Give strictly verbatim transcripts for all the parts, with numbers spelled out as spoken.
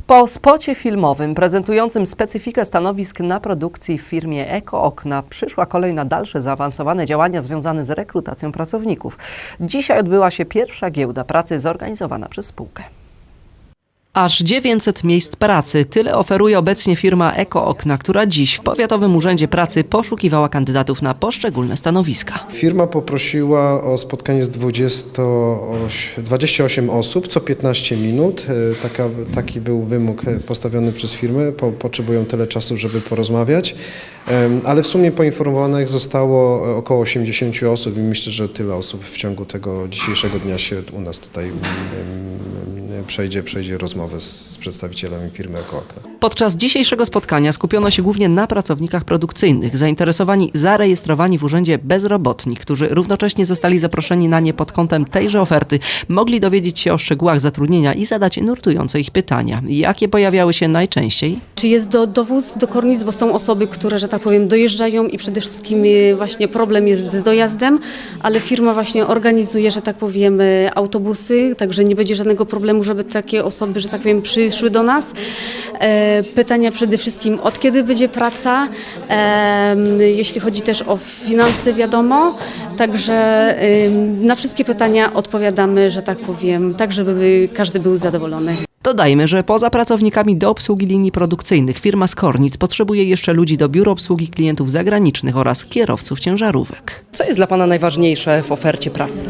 Po spocie filmowym prezentującym specyfikę stanowisk na produkcji w firmie Eko Okna przyszła kolej na dalsze zaawansowane działania związane z rekrutacją pracowników. Dzisiaj odbyła się pierwsza giełda pracy zorganizowana przez spółkę. Aż dziewięćset miejsc pracy. Tyle oferuje obecnie firma Eko Okna, która dziś w Powiatowym Urzędzie Pracy poszukiwała kandydatów na poszczególne stanowiska. Firma poprosiła o spotkanie z dwudziestu ośmiu osób co piętnaście minut. Taka, taki był wymóg postawiony przez firmę. Po, potrzebują tyle czasu, żeby porozmawiać. Ale w sumie poinformowanych zostało około osiemdziesięciu osób i myślę, że tyle osób w ciągu tego dzisiejszego dnia się u nas tutaj przejdzie, przejdzie rozmowę z, z przedstawicielami firmy Eko Okna. Podczas dzisiejszego spotkania skupiono się głównie na pracownikach produkcyjnych, zainteresowani, zarejestrowani w urzędzie bezrobotni, którzy równocześnie zostali zaproszeni na nie pod kątem tejże oferty, mogli dowiedzieć się o szczegółach zatrudnienia i zadać nurtujące ich pytania. Jakie pojawiały się najczęściej? Czy jest do, dowód do kornic, bo są osoby, które, że tak powiem, dojeżdżają i przede wszystkim e, właśnie problem jest z dojazdem, ale firma właśnie organizuje, że tak powiem, e, autobusy, także nie będzie żadnego problemu, żeby takie osoby, że tak powiem, przyszły do nas. E, pytania przede wszystkim, od kiedy będzie praca, e, jeśli chodzi też o finanse, wiadomo, także e, na wszystkie pytania odpowiadamy, że tak powiem, tak, żeby każdy był zadowolony. Dodajmy, że poza pracownikami do obsługi linii produkcyjnych firma z Kornic potrzebuje jeszcze ludzi do biur obsługi klientów zagranicznych oraz kierowców ciężarówek. Co jest dla Pana najważniejsze w ofercie pracy?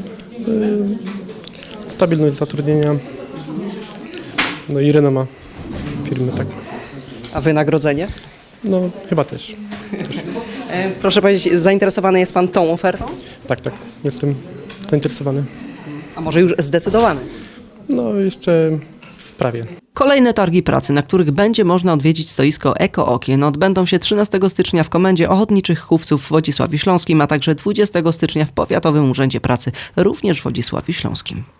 Stabilność zatrudnienia, no i renoma firmy, tak. A wynagrodzenie? No chyba też. E, proszę powiedzieć, zainteresowany jest Pan tą ofertą? Tak, tak, jestem zainteresowany. A może już zdecydowany? No jeszcze prawie. Kolejne targi pracy, na których będzie można odwiedzić stoisko Eko Okien, odbędą się trzynastego stycznia w Komendzie Ochotniczych Chówców w Wodzisławiu Śląskim, a także dwudziestego stycznia w Powiatowym Urzędzie Pracy, również w Wodzisławiu Śląskim.